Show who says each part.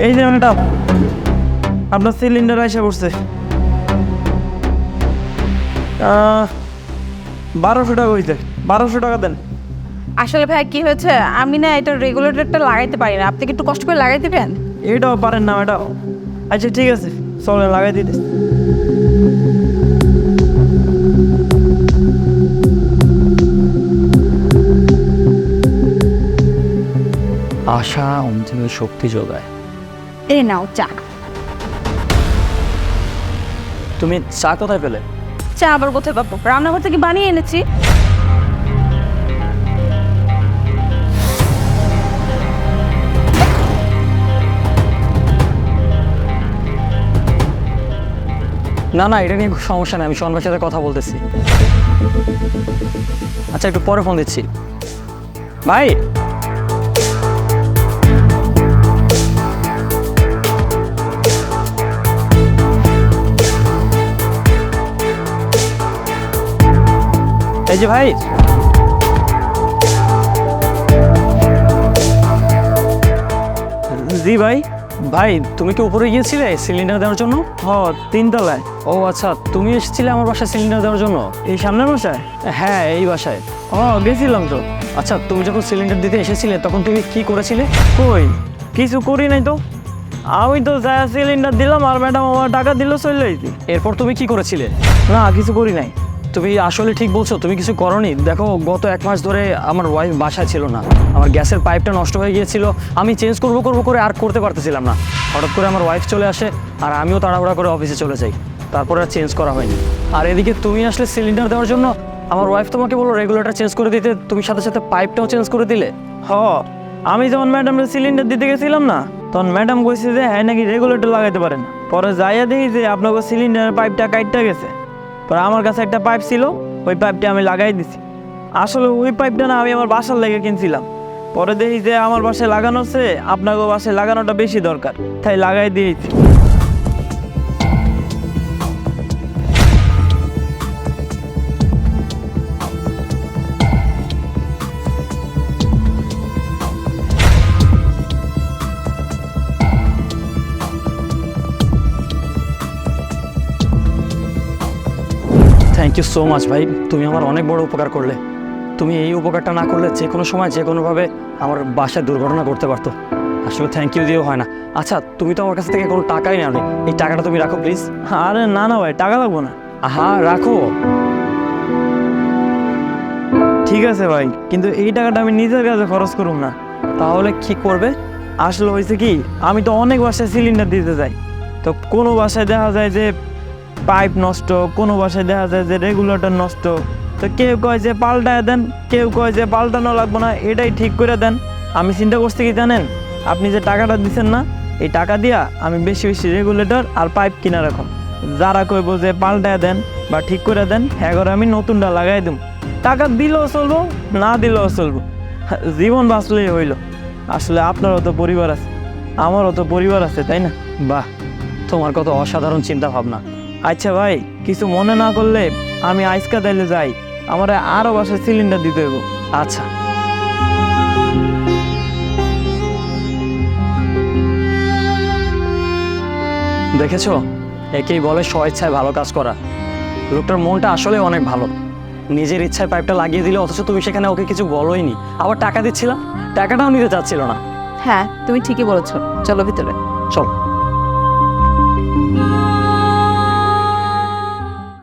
Speaker 1: এই যে ম্যাডাম, আপনার সিলিন্ডার এসে পড়ছে। 1200 টাকা হইতে, 1200 টাকা দেন।
Speaker 2: আসলে ভাই কি হয়েছে, আমি না এটা রেগুলেটরটা লাগাইতে পারি না, আপনি কি একটু কষ্ট করে লাগাই দিবেন?
Speaker 1: এটাও পারেন না ম্যাডাম? আচ্ছা ঠিক আছে, চলেন লাগাই দিতে।
Speaker 3: আশা অন্তিমে শক্তি যোগায়।
Speaker 2: এই নাও চা।
Speaker 3: তুমি চা কোথায় পেলে?
Speaker 2: চা আবার কোথায় পাবো, রান্নাঘর থেকে বানিয়ে এনেছি।
Speaker 3: না না, এটা নিয়ে সমস্যা নেই, আমি শোনবার সাথে কথা বলতেছি। আচ্ছা একটু পরে ফোন দিচ্ছি। ভাই
Speaker 1: এই যে ভাই, জি ভাই।
Speaker 3: ভাই তুমি কি উপরে গিয়েছিলে সিলিন্ডার দেওয়ার জন্য?
Speaker 1: হ, 3 তলায়।
Speaker 3: ও আচ্ছা, তুমি এসেছিলে আমার বাসায় সিলিন্ডার দেওয়ার জন্য?
Speaker 1: এই সামনের বাসায়?
Speaker 3: হ্যাঁ এই বাসায়।
Speaker 1: ও গেছিলাম তো।
Speaker 3: আচ্ছা তুমি যখন সিলিন্ডার দিতে এসেছিলে তখন তুমি কি করেছিলে?
Speaker 1: কই কিছু করি নাই তো, আমি তো যা সিলিন্ডার দিলাম আর ম্যাডাম আমার টাকা দিল, চলে যাইছি।
Speaker 3: এরপর তুমি কি করেছিলে?
Speaker 1: না কিছু করি নাই।
Speaker 3: তুমি আসলে ঠিক বলছো, তুমি কিছু করনি। দেখো গত 1 মাস ধরে আমার ওয়াইফ বাসায় ছিল না, আমার গ্যাসের পাইপটা নষ্ট হয়ে গিয়েছিল, আমি চেঞ্জ করবো করে আর করতে পারতেছিলাম না। হঠাৎ করে আমার ওয়াইফ চলে আসে আর আমিও তাড়াহুড়া করে অফিসে চলে যাই, তারপরে আর চেঞ্জ করা হয়নি। আর এদিকে তুমি আসলে সিলিন্ডার দেওয়ার জন্য, আমার ওয়াইফ তোমাকে বললো রেগুলেটর চেঞ্জ করে দিতে, তুমি সাথে সাথে পাইপটাও চেঞ্জ করে দিলে।
Speaker 1: হ, আমি যখন ম্যাডামের সিলিন্ডার দিতে গেছিলাম না, তখন ম্যাডাম কইছে যে হ্যাঁ নাকি রেগুলেটর লাগাইতে পারেন। পরে যাইয়া দেখি যে আপনাকে সিলিন্ডারের পাইপটা কাটতে গেছে। পরে আমার কাছে একটা পাইপ ছিল, ওই পাইপটা আমি লাগাই দিছি। আসলে ওই পাইপটা না আমি আমার বাসার লেগে কিনছিলাম। পরে দেখি যে আমার বাসায় লাগানো আছে, আপনাকে বাসায় লাগানোটা বেশি দরকার, তাই লাগাই দিয়েছি।
Speaker 3: থ্যাংক ইউ সো মাচ ভাই, তুমি আমার অনেক বড় উপকার করলে। তুমি এই উপকারটা না করলে যে কোনো সময় যে কোনোভাবে আমার বাসায় দুর্ঘটনা করতে পারতো। আসলে থ্যাংক ইউ দিয়েও হয় না। আচ্ছা তুমি তো আমার কাছ থেকে কোনো টাকাই নেওনি, এই টাকাটা তুমি রাখো প্লিজ।
Speaker 1: আরে না না ভাই, টাকা লাগবো না।
Speaker 3: হ্যাঁ রাখো।
Speaker 1: ঠিক আছে ভাই, কিন্তু এই টাকাটা আমি নিজের কাছে খরচ করুম না।
Speaker 3: তাহলে কি করবে?
Speaker 1: আসলে হয়েছে কি, আমি তো অনেক বাসায় সিলিন্ডার দিতে যাই, তো কোনো বাসায় দেখা যায় যে পাইপ নষ্ট, কোনো বাসায় দেখা যায় যে রেগুলেটর নষ্ট। তো কেউ কয় যে পাল্টায় দেন, কেউ কয় যে পাল্টানো লাগবো না, এটাই ঠিক করে দেন। আমি চিন্তা করছি কি জানেন, আপনি যে টাকাটা দিচ্ছেন না, এই টাকা দিয়া আমি বেশি বেশি রেগুলেটর আর পাইপ কিনা রাখুন। যারা কইব যে পাল্টায় দেন বা ঠিক করে দেন, হ্যাঁ করে আমি নতুনটা লাগাই দিম। টাকা দিলেও চলবো, না দিলেও চলবো, জীবন বাঁচলেই হইল। আসলে আপনারও তো পরিবার আছে, আমারও তো পরিবার আছে, তাই না?
Speaker 3: বাহ, তোমার কত অসাধারণ চিন্তা ভাবনা।
Speaker 1: আচ্ছা ভাই, কিছু মনে না করলে আমি আইসকা তাইলে যাই, আমার আরও বাসায় সিলিন্ডার দিতে হইব।
Speaker 3: আচ্ছা দেখেছো, একেই বলে স্বেচ্ছায় ভালো কাজ করা। লোকটার মনটা আসলে অনেক ভালো, নিজের ইচ্ছায় পাইপটা লাগিয়ে দিলে, অথচ তুমি সেখানে ওকে কিছছিলাম, বলোইনি। আবার টাকা দিচ্ছিলাম, টাকাটাও নিতে চাচ্ছিল না।
Speaker 2: হ্যাঁ তুমি ঠিকই বলেছো, চলো ভিতরে।
Speaker 3: চল।